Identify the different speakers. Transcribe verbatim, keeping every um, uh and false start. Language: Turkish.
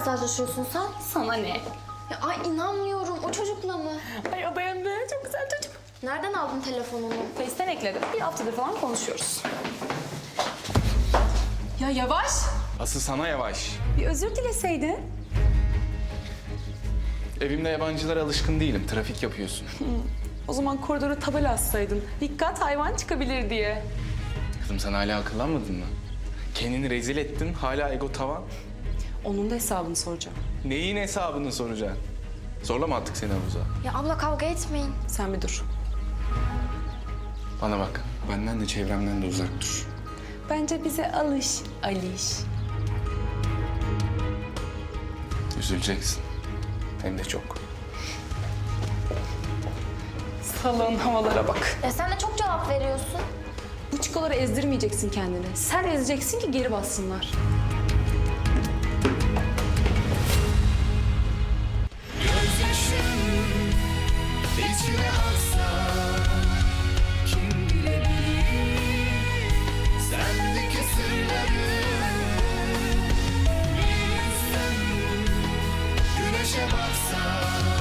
Speaker 1: mesajlaşıyorsun sen?
Speaker 2: Sana ne?
Speaker 1: Ya ay inanmıyorum. O çocukla mı?
Speaker 2: Ay o benim de çok güzel çocuk.
Speaker 1: Nereden aldın telefonunu?
Speaker 2: Face'ten ekledim. Bir haftadır falan konuşuyoruz. Ya yavaş.
Speaker 3: Asıl sana yavaş.
Speaker 2: Bir özür dileseydin.
Speaker 3: Evimde yabancılara alışkın değilim. Trafik yapıyorsun.
Speaker 2: O zaman koridora tabela assaydın. Dikkat hayvan çıkabilir diye.
Speaker 3: Kızım sen hala akıllanmadın mı? Kendini rezil ettin. Hala ego tavan.
Speaker 2: Onun da hesabını soracağım.
Speaker 3: Neyin hesabını soracaksın? Zorlama attık seni havuza.
Speaker 1: Ya abla kavga etmeyin.
Speaker 2: Sen bir dur.
Speaker 3: Bana bak. Benden de çevremden de uzak dur.
Speaker 2: Bence bize alış, Aliş.
Speaker 3: Üzüleceksin. Hem de çok.
Speaker 2: Salon havalara bak.
Speaker 1: Ya sen de çok cevap veriyorsun.
Speaker 2: Bu çikoları ezdirmeyeceksin kendini. Sen ezeceksin ki geri bassınlar.
Speaker 4: Gözyaşın içine aksa kim bilebilir sendeki sırları bir yüzden güneşe baksa